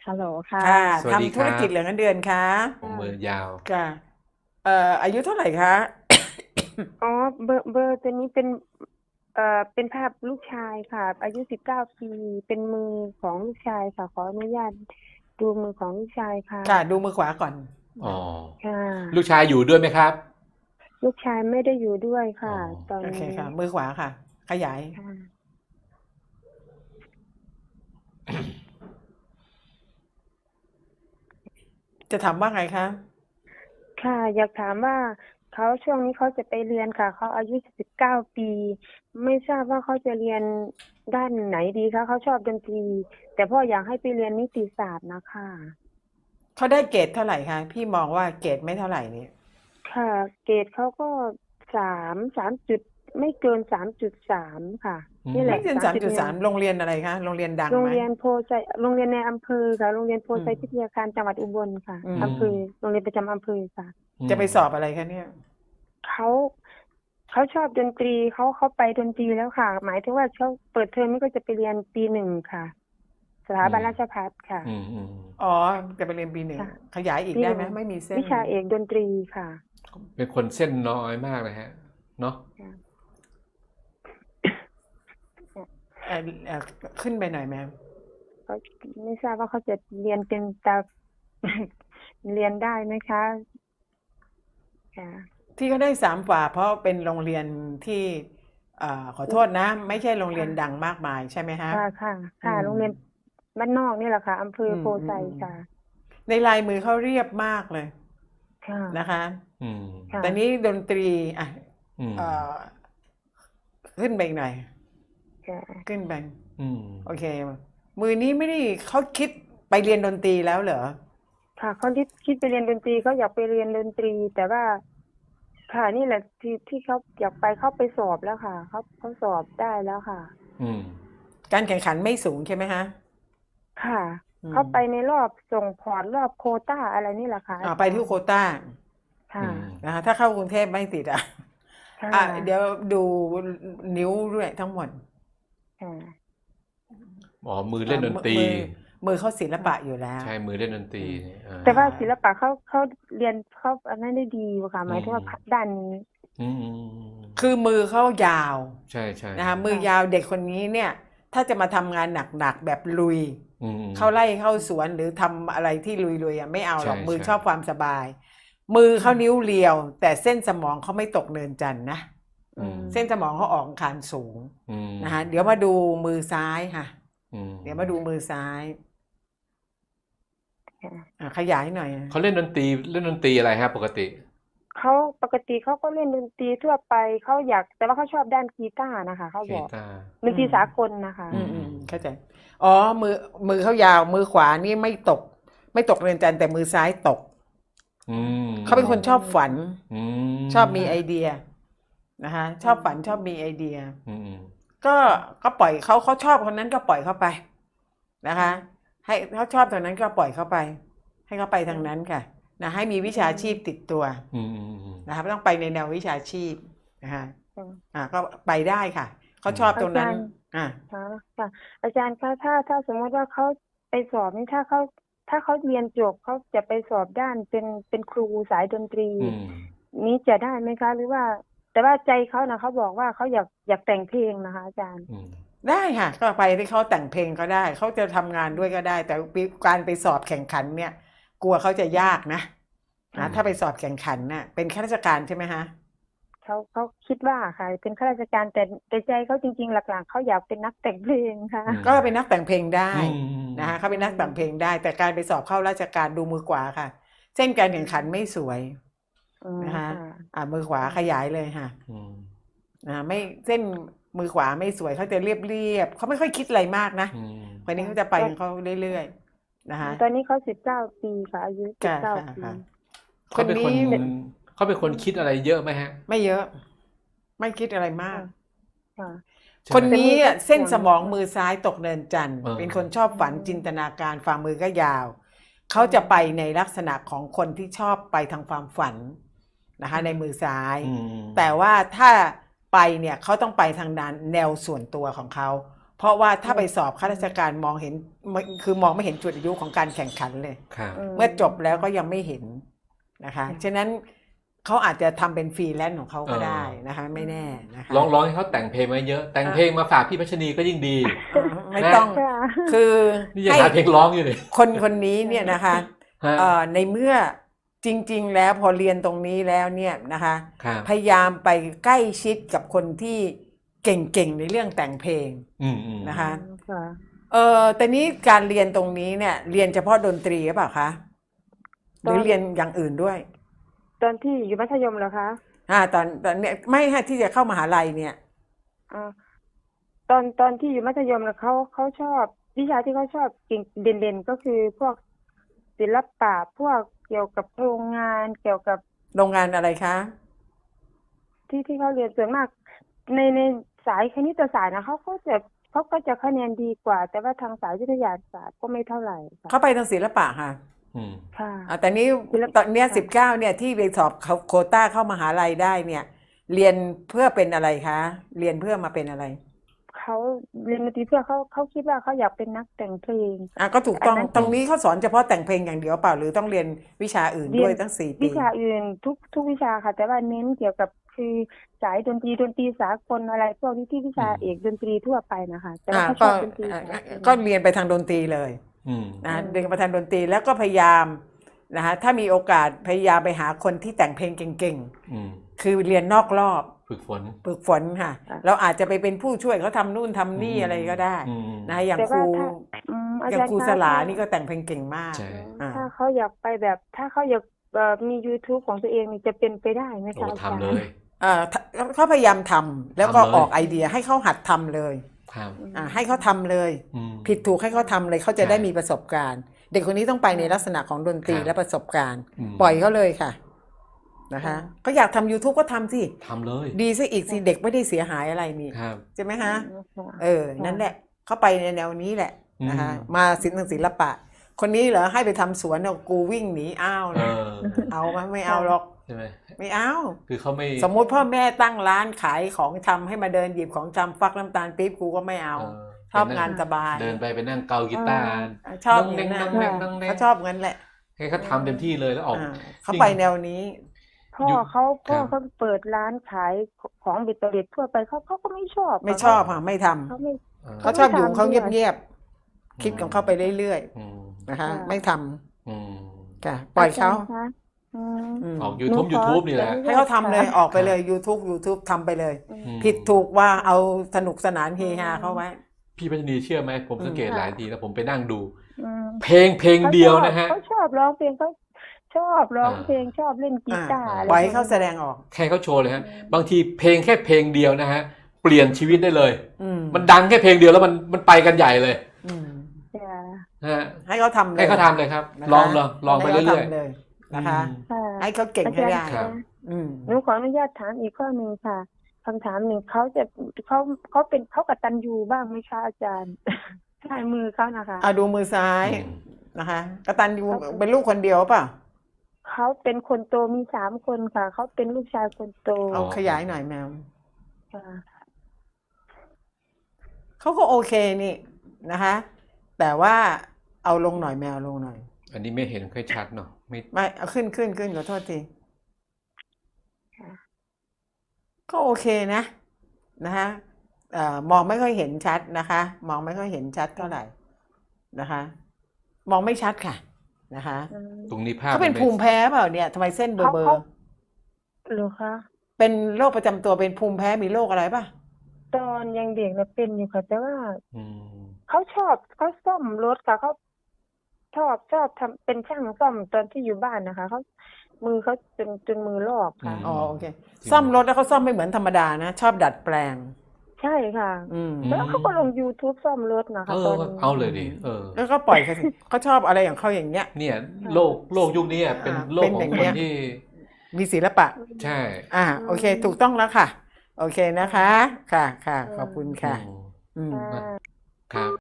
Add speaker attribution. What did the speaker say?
Speaker 1: ฮัลโหลค่ะ
Speaker 2: ค่ะ
Speaker 3: สวัสดี
Speaker 2: ทำ
Speaker 3: ค
Speaker 2: ธุร
Speaker 3: รับ
Speaker 2: กิจเหลือเงินเดือนคะ
Speaker 3: ผมมือยาว
Speaker 2: ค่ะอายุเท่าไหร่คะ
Speaker 1: อ๋อเบอร์ตัวนี้เป็นเป็นภาพลูกชายค่ะอายุ19 ปีเป็นมือของลูกชายค่ะขออนุญาตดูมือของลูกชายค่ะ
Speaker 2: ค่ะดูมือขวาก่อน
Speaker 3: อ๋อ
Speaker 1: ค่ะ
Speaker 3: ลูกชายอยู่ด้วยไหมครับ
Speaker 1: ลูกชายไม่ได้อยู่ด้วย
Speaker 3: อ๋อ
Speaker 1: ค่ะตอน
Speaker 2: โอเค
Speaker 1: นี้
Speaker 2: ค่ะมือขวาค่ะขยาย
Speaker 1: ค่ะ
Speaker 2: จะถามว่าไงคะ
Speaker 1: ค่ะอยากถามว่าเขาช่วงนี้เขาจะไปเรียนค่ะเขาอายุ19 ปีไม่ทราบว่าเขาจะเรียนด้านไหนดีคะเขาชอบดนตรีแต่พ่ออยากให้ไปเรียนนิติศาสตร์นะคะ
Speaker 2: เขาได้เกรดเท่าไหร่คะพี่มองว่าเกรดไม่เท่าไหร่นี่
Speaker 1: ค่ะเกรดเขาก็สามจุดไม่เกิน3.3ค่ะนี่แห
Speaker 2: ไม่
Speaker 1: ละ
Speaker 2: เกิน3.3โรงเรียนอะไรคะโรงเรียนดัง
Speaker 1: โรง
Speaker 2: ไหม
Speaker 1: เรียนโพไซโรงเรียนในอำเภอค่ะโรงเรียนโพ
Speaker 2: อืม
Speaker 1: ไซพิทยาคารจังหวัดอุบลค่ะ
Speaker 2: อืม
Speaker 1: อำเภอโรงเรียนประจำอำเภอค่ะ
Speaker 2: จะไปสอบอะไรคะเนี่ย
Speaker 1: เขาเขาชอบดนตรีเขาไปดนตรีแล้วค่ะหมายถึงว่าเขาเปิดเทอมนี้ก็จะไปเรียนปี 1ค่ะสถาบันราชภัฏค่ะ
Speaker 3: อืมอืม
Speaker 2: อ๋อจะไปเรียนปี 1
Speaker 1: ค่ะ
Speaker 2: ขยายอีกได้ไหม
Speaker 1: ปี 1
Speaker 2: ไม่มีเส้น
Speaker 1: วิชาเอกดนตรีค่ะ
Speaker 3: เป็นคนเส้นน้อยมากเลยฮะเนาะ
Speaker 1: ค่ะ
Speaker 2: เอ่อเอ่อขึ้นไปหน่อยแมม
Speaker 1: เขาไม่ทราบว่าเขาจะเรียนเป็นตา เรียนได้ไหมคะค่ะ
Speaker 2: ที่เขาได้3 ฝ่าเพราะเป็นโรงเรียนที่ขอโทษนะไม่ใช่โรงเรียนดั
Speaker 1: ค่ะ
Speaker 2: งมากมายใช่ไหมฮะ
Speaker 1: ค่ะค่ะ
Speaker 2: อื
Speaker 1: ค่ะ
Speaker 2: ม
Speaker 1: โรงเรียนบ้านนอกนี่แหละค่ะอำเภอ
Speaker 2: อื
Speaker 1: โพไซ
Speaker 2: มอืมอืม
Speaker 1: ค่ะ
Speaker 2: ในลายมือเขาเรียบมากเลย
Speaker 1: ค่ะ
Speaker 2: นะคะ
Speaker 3: อืม
Speaker 1: ค่ะ
Speaker 2: แต่นี้ดนตรีอ่ะ
Speaker 3: อืม
Speaker 2: เอ่อขึ้นไปอีกหน่อย
Speaker 1: ค่ะ
Speaker 2: ขึ้นไป
Speaker 3: อืม
Speaker 2: โอเคมือนี้ไม่ได้เขาคิดไปเรียนดนตรีแล้วเหรอ
Speaker 1: ค่ะคนที่คิดไปเรียนดนตรีเขาอยากไปเรียนดนตรีแต่ว่าค่ะนี่แหละที่เขาอยากไปเขาไปสอบแล้วค่ะเขาสอบได้แล้วค่ะ
Speaker 3: อืม
Speaker 2: การแข่งขันไม่สูงใช่ไหมฮะ
Speaker 1: ค่ะ
Speaker 2: อืม
Speaker 1: เขาไปในรอบส่งพอร์ตรอบโควต้าอะไรนี่แหละค่ะอา
Speaker 2: ไปที่
Speaker 1: จารย์
Speaker 2: โควต้า
Speaker 1: ค่ะ
Speaker 3: อืม
Speaker 2: นะคะถ้าเข้ากรุงเทพไม่ติดอ่ะ
Speaker 1: ค่
Speaker 2: เดี๋ยว
Speaker 1: ะ
Speaker 2: ดูนิ้วด้วยทั้งหมด
Speaker 1: ค่ะ
Speaker 3: อ๋อมือเล่นดนตรี
Speaker 2: มือเขาศิลปะอยู่แล้ว
Speaker 3: ใช่มือเล่นดนตรีเนี่ย
Speaker 1: แต่ว่าศิลปะเขาเรียนเขาอันนั้นได้ดีกว่าค่ะหมายถึงว่าด้านนี้
Speaker 3: อืม
Speaker 2: คือมือเขายาว
Speaker 3: ใช่ใช่
Speaker 2: นะคะมือยาวเด็กคนนี้เนี่ย ถ้าจะมาทำงานหนักๆแบบลุย
Speaker 3: อืม
Speaker 2: เข้าไร่เข้าสวนหรือทำอะไรที่ลุยๆไม่เอาหรอก
Speaker 3: ใช่
Speaker 2: มือ
Speaker 3: ใช่
Speaker 2: ชอบความสบาย มือเขานิ้วเรียว แต่เส้นสมองเขาไม่ตกเนินจันทร์นะ
Speaker 1: อืม
Speaker 2: เส้นสมองเขาออกอังคารสูง
Speaker 3: อืม
Speaker 2: นะคะเดี๋ยวมาดูมือซ้ายค่ะ
Speaker 3: อืม
Speaker 2: เดี๋ยวมาดูมือซ้าย
Speaker 1: ค่ะ
Speaker 2: ขยายหน่อย
Speaker 3: เขาเล่นดนตรีอะไรฮะปกติ
Speaker 1: เขาปกติเขาก็เล่นดนตรีทั่วไปเขาอยากแต่ว่าเขาชอบด้านกีตาร์นะคะเขาบอก
Speaker 3: กีตาร์
Speaker 1: ดนตรีสากลนะคะ
Speaker 2: เข้าใจอ๋อมือเขายาวมือขวานี่ไม่ตกเรือนจันทร์แต่มือซ้ายตก
Speaker 3: อืม
Speaker 2: เขาเป็นคนชอบฝัน
Speaker 3: อืม
Speaker 2: ชอบมีไอเดียนะคะชอบฝันชอบมีไอเดีย
Speaker 3: อืม
Speaker 2: ก็ปล่อยเขาชอบคนนั้นก็ปล่อยเขาไปนะคะ ให้เขาชอบตรงนั้นก็ปล่อยเขาไป ให้เขาไปทางนั้นค่ะนะให้มีวิชาชีพติดตัว
Speaker 3: อืม
Speaker 2: นะคะต้องไปในแนววิชาชีพนะคะ
Speaker 1: ค่ะ
Speaker 2: ก็ไปได้ค่ะเขาชอบตรงนั้น
Speaker 1: ค่ะค่ะอาจารย์คะถ้าสมมติว่าเขาไปสอบนี่ถ้าเขาเรียนจบเขาจะไปสอบด้านเป็นครูสายดนตรี
Speaker 3: อืม
Speaker 1: นี้จะได้ไหมคะหรือว่า แต่ว่าใจเขานะเขาบอกว่าเขาอยากแต่งเพลงนะคะอาจารย์
Speaker 3: อืม
Speaker 2: ได้ค่ะก็ไปที่เขาแต่งเพลงก็ได้เขาจะทำงานด้วยก็ได้ แต่การไปสอบแข่งขันเนี่ย กลัวเขาจะยากนะถ้าไปสอบแข่งขันน่ะเป็นข้าราชการใช่ไหมฮะ
Speaker 1: เขาคิดว่าค่ะเป็นข้าราชการแต่ใจเขาจริงๆหลักๆเขาอยากเป็นนักแต่งเพลงค่ะ
Speaker 2: ก็เป็นนักแต่งเพลงได้
Speaker 3: อืม
Speaker 2: นะคะเขาเป็นนักแต่งเพลงได้ แต่การไปสอบเข้าราชการดูมือขวาค่ะ เส้นการแข่งขันไม่สวยนะคะมือขวาขยายเลยค่ะ
Speaker 3: อืม
Speaker 2: ไม่เส้นมือขวาไม่สวยเขาจะเรียบเขาไม่ค่อยคิดอะไรมากนะ
Speaker 3: อืม
Speaker 2: คนนี้เขาจะไปของเขาเรื่อยๆนะคะ
Speaker 1: ตอนนี้เขา19 ปีค่ะอายุ19 ปี
Speaker 2: คนนี้
Speaker 3: เขาเป็นคนคิดอะไรเยอะไหมฮะ
Speaker 2: ไม่เยอะ ไม่คิดอะไรมาก
Speaker 1: ค่ะ
Speaker 2: คนนี้
Speaker 1: แต่มือก็
Speaker 2: เส้น
Speaker 1: ห่วง
Speaker 2: สมองมือซ้ายตกเนินจันทร์เป็นคนชอบฝันจินตนาการฝ่ามือก็ยาว เขาจะไปในลักษณะของคนที่ชอบไปทางความฝันนะคะ ในมือซ้าย แต่ว่าถ้าไปเนี่ยเขาต้องไปทางด้านแนวส่วนตัวของเขาเพราะว่าถ้าไปสอบข้าราชการมองเห็นคือมองไม่เห็นจุดอายุของการแข่งขันเลย
Speaker 3: ครับ
Speaker 2: เมื่อจบแล้วก็ยังไม่เห็นนะคะฉะนั้นเขาอาจจะทำเป็นฟรีแลนซ์ของเขาก็ได้นะคะไม่แน่นะคะ
Speaker 3: ร้องให้เขาแต่งเพลงมาเยอะ แต่งเพลงมาฝากพี่พัชนีก็ยิ่งดี
Speaker 2: ไม่ต้อง
Speaker 1: ค่ะ
Speaker 2: คือ
Speaker 3: นี่ยัง
Speaker 2: ให้
Speaker 3: หาเพลงร้องอยู่เลย
Speaker 2: คนนี้เนี่ยนะคะ
Speaker 3: ฮะ
Speaker 2: ในเมื่อจริงๆแล้วพอเรียนตรงนี้แล้วเนี่ยนะคะ
Speaker 3: ครับ
Speaker 2: พยายามไปใกล้ชิดกับคนที่เก่งๆในเรื่องแต่งเพลง
Speaker 3: อืม
Speaker 2: นะคะ
Speaker 1: ค่ะ
Speaker 2: แต่นี้การเรียนตรงนี้เนี่ยเรียนเฉพาะดนตรีหรือเปล่าคะหรือเรียนอย่างอื่นด้วย
Speaker 1: ตอนที่อยู่มัธยมเหรอคะ
Speaker 2: ตอนเนี้ยไม่ฮะที่จะเข้ามหาลัยเนี่ย
Speaker 1: อ่าตอนที่อยู่มัธยมแล้วเขาชอบวิชาที่เขาชอบเก่งเด่นๆก็คือพวกศิลปะพวกเกี่ยวกับโรงงานเกี่ยวกับ
Speaker 2: โรงงานอะไรคะ
Speaker 1: ที่เขาเรียนส่วนมากในสายคณิตศาสตร์นะเขาก็จะคะแนนดีกว่า แต่ว่าทางสายวิทยาศาสตร์ก็ไม่เท่าไหร่ค่ะ
Speaker 2: เข้าไปทางศิลปะค่ะ
Speaker 3: อืม
Speaker 1: ค่ะ
Speaker 2: แต่นี้
Speaker 1: ศิลปะ
Speaker 2: ตอนเนี้ย19เนี่ยที่ไปสอบโควต้าเข้ามหาลัยได้เนี่ย เรียนเพื่อเป็นอะไรคะเรียนเพื่อมาเป็นอะไร
Speaker 1: เขาเรียนดนตรีเพื่อเขาคิดว่าเขาอยากเป็นนักแต่งเพลง
Speaker 2: ก็ถูกต้อง
Speaker 1: อันนั้น
Speaker 2: ตรงนี้เขาสอนเฉพาะแต่งเพลงอย่างเดียวเปล่าหรือต้องเรียนวิชาอื่นด้วยตั้ง4 ปี
Speaker 1: วิชาอื่นทุกวิชาค่ะ แต่ว่าเน้นเกี่ยวกับคือสายดนตรีสากลอะไรพวกนี้ที่วิชาเอกดนตรีทั่วไปนะคะแต่ว่าเขาช
Speaker 2: ก็
Speaker 1: อบดนตรีสากล
Speaker 2: ก็เรียนไปทางดนตรีเลย
Speaker 3: อืม
Speaker 2: นะเรียนไปทางดนตรีแล้วก็พยายามนะคะถ้ามีโอกาสพยายามไปหาคนที่แต่งเพลงเก่ง
Speaker 3: อืม
Speaker 2: ๆคือเรียนนอกรอบ
Speaker 3: ฝึกฝน
Speaker 2: ฝึกฝนค่ะ เราอาจจะไปเป็นผู้ช่วยเขาทำนู่นทำนี่อะไรก็ได้
Speaker 3: อืม
Speaker 2: นะอย่าง
Speaker 1: แต่
Speaker 2: ครู
Speaker 1: ว่าถ้าอา
Speaker 2: อย่าง
Speaker 1: จารย์
Speaker 2: ครู
Speaker 1: คะ
Speaker 2: สลานี่ก็แต่งเพลงเก่งมาก
Speaker 3: ใช่
Speaker 1: ถ้าเขาอยากไปแบบถ้าเขาอยากมี YouTube ของตัวเองนี่จะเป็นไปได้ไหม
Speaker 3: โอ้
Speaker 1: คะอาจารย์
Speaker 3: ทำเลย
Speaker 2: เขาพยายามทำแล้วก็
Speaker 3: ทำเลย
Speaker 2: ออกไอเดียให้เขาหัดทำเลย
Speaker 3: ครับ
Speaker 2: ให้เขาทำเลย
Speaker 3: อืม
Speaker 2: ผิดถูกให้เขาทำเลยเขาจะ
Speaker 3: ใช่
Speaker 2: ได้มีประสบการณ์ เด็กคนนี้ต้องไปในลักษณะของดนตรี
Speaker 3: ครับ
Speaker 2: และประสบการณ์
Speaker 3: อืม
Speaker 2: ปล่อยเขาเลยค่ะนะคะก็อยากทำ YouTube ก็ทำสิ
Speaker 3: ทำเลย
Speaker 2: ดีซะอีกสิเด็กไม่ได้เสียหายอะไรนี่
Speaker 3: ครับ
Speaker 2: ใช่ไหมฮะ
Speaker 1: ค่ะ
Speaker 2: นั่นแหละเข้าไปในแนวนี้แหละนะคะ
Speaker 3: อืม
Speaker 2: มาศิลปะ คนนี้เหรอให้ไปทำสวนเอากูวิ่งหนีอ้าว
Speaker 3: เอ
Speaker 2: นะ
Speaker 3: อ
Speaker 2: เอาไหมไม่เอาหรอก
Speaker 3: ใช่ไหม
Speaker 2: ไม่เอา
Speaker 3: คือเขาไม่
Speaker 2: สมมุติพ่อแม่ตั้งร้านขายของชำให้มาเดินหยิบของชำฟักน้ำตาลปี๊บกูก็ไม่เอา ชอบงานสบาย
Speaker 3: เดินไปนั่งเกากีตาร์
Speaker 2: ชอบ
Speaker 3: น้
Speaker 2: เงี้
Speaker 3: อง
Speaker 2: ย
Speaker 3: แน่
Speaker 2: นะ
Speaker 3: งน้องแน่ง
Speaker 2: เขาชอบเงินแหละ
Speaker 3: ให้เขาทำเต็มที่เลยแล้วออก
Speaker 2: เขาไปแนวนี้
Speaker 1: พ่อ
Speaker 3: อยู่
Speaker 1: เขา
Speaker 3: ครับ
Speaker 1: เปิดร้านขายของบิดเตอร์เล็ดทั่วไปเขาก็ไม่ชอบ
Speaker 2: ไม่ชอบค่ะไม่ทำ
Speaker 1: เขาไม่
Speaker 2: เขาชอบอยู่ของเขา
Speaker 1: ไม่ทำด้วย
Speaker 2: เงียบๆคิดของเขาไปเรื่อย
Speaker 3: อืม
Speaker 2: ๆนะคะ
Speaker 1: ค่ะ
Speaker 2: ไม่ท
Speaker 3: อืม
Speaker 2: ำค่ะปล่อยเขา
Speaker 1: จรคะอืม
Speaker 2: อืม
Speaker 3: ออก
Speaker 1: หนูขอ
Speaker 3: YouTube นี่แหละ
Speaker 2: ให้เขาทำเลย
Speaker 1: ค่ะ
Speaker 2: ออกไปเลย YouTube ทำไปเลย
Speaker 3: อืม
Speaker 2: ผิดถูกว่าเอาสนุกสนานเฮฮาเข้าไว้
Speaker 3: พี่พัชนีเชื่อไหมผมสังเกต
Speaker 1: ค่ะ
Speaker 3: หลายทีแล้วผมไปนั่งดู
Speaker 1: อืม
Speaker 3: เพลงเดียวนะฮะ
Speaker 1: เขาชอบร้องเพลงเขาชอบร้อง
Speaker 3: อ่า
Speaker 1: เพลงชอบเล่นกีตาร์
Speaker 3: อ่า
Speaker 1: อะไร
Speaker 2: ปล่อยให้เขาแสดงออก
Speaker 3: แค่เขาโชว์เลยฮะ บางทีเพลงแค่เพลงเดียวนะฮะ เปลี่ยนชีวิตได้เลย มันดังแค่เพลงเดียวแล้วมันไปกันใหญ่เลย
Speaker 2: อืม
Speaker 1: จ้ะ
Speaker 3: นะฮะ
Speaker 2: ให้เขาทำเลย
Speaker 3: ให้เขาทำเลยครับ
Speaker 2: นะคะ
Speaker 3: ลองไป
Speaker 2: ให้
Speaker 3: เรื่
Speaker 2: ขา
Speaker 3: อย
Speaker 2: ทำเลยนะคะ
Speaker 1: ค่ะ
Speaker 2: ให้เขาเก่งให้ได้
Speaker 3: ครับ
Speaker 2: อืม
Speaker 1: หนูขออนุญาตถามอีกข้อหนึ่งค่ะคำถามหนึ่งเขากตัญญูบ้างไหมคะอาจารย์ ใช่มือเขานะคะ
Speaker 2: ดูมือซ้าย
Speaker 3: อืม
Speaker 2: นะคะกตัญญูเป็นลูกคนเดียวป่ะ
Speaker 1: เขาเป็นคนโตมี3 คนค่ะเขาเป็นลูกชายคนโต
Speaker 2: เอาขยายหน่อยแมว
Speaker 1: ค่ะ
Speaker 2: เขาก็โอเคนี่นะคะ แต่ว่าเอาลงหน่อยแมวลงหน่อย
Speaker 3: อันนี้ไม่เห็นค่อยชัดเนาะไม่
Speaker 2: ไม่เอาขึ้นขอโทษทีก็โอเคนะนะคะมองไม่ค่อยเห็นชัดนะคะ มองไม่ค่อยเห็นชัดเท่าไหร่นะคะ มองไม่ชัดค่ะนะคะ
Speaker 3: ตรงนี้ภาพ
Speaker 2: เขาเป็นภูมิแพ้เปล่าเนี่ยทำไมเส้นเบอร์
Speaker 1: เขาเหรือคะ
Speaker 2: เป็นโรคประจำตัวเป็นภูมิแพ้มีโรคอะไรป่ะ
Speaker 1: ตอนยังเด็กเนี่ยเป็นอยู่ค่ะ แต่ว่า
Speaker 3: อืม
Speaker 1: เขาซ่อมรถค่ะเขาชอบทำเป็นช่างซ่อมตอนที่อยู่บ้านนะคะเขามือเขาจนมือลอกค่ะ
Speaker 2: อ๋อโอเคซ่อมรถแล้วเขาซ่อมไม่เหมือนธรรมดานะชอบดัดแปลง
Speaker 1: ใช่ค่ะ แล้วเขาก็ลง YouTube ซ่อมรถนะคะตอนนี้
Speaker 3: เอาเลยดิ
Speaker 2: แล้วก็ปล่อยเขาสิ เขาชอบอะไรของเขาอย่างเงี้ย
Speaker 3: เนี่ยโลกยุคนี้เป็นโลก
Speaker 2: เป็น
Speaker 3: ข
Speaker 2: อ
Speaker 3: อง
Speaker 2: ย่าง
Speaker 3: ค
Speaker 2: เงี้
Speaker 3: น
Speaker 2: ย
Speaker 3: ที่
Speaker 2: มีศิลปะ
Speaker 3: ใช่
Speaker 2: โอเค ถูกต้องแล้วค่ะ โอเคนะคะ ค่ะขอบคุณค่ะ
Speaker 3: อืม
Speaker 2: อืม
Speaker 1: ค่ะ
Speaker 3: ครับ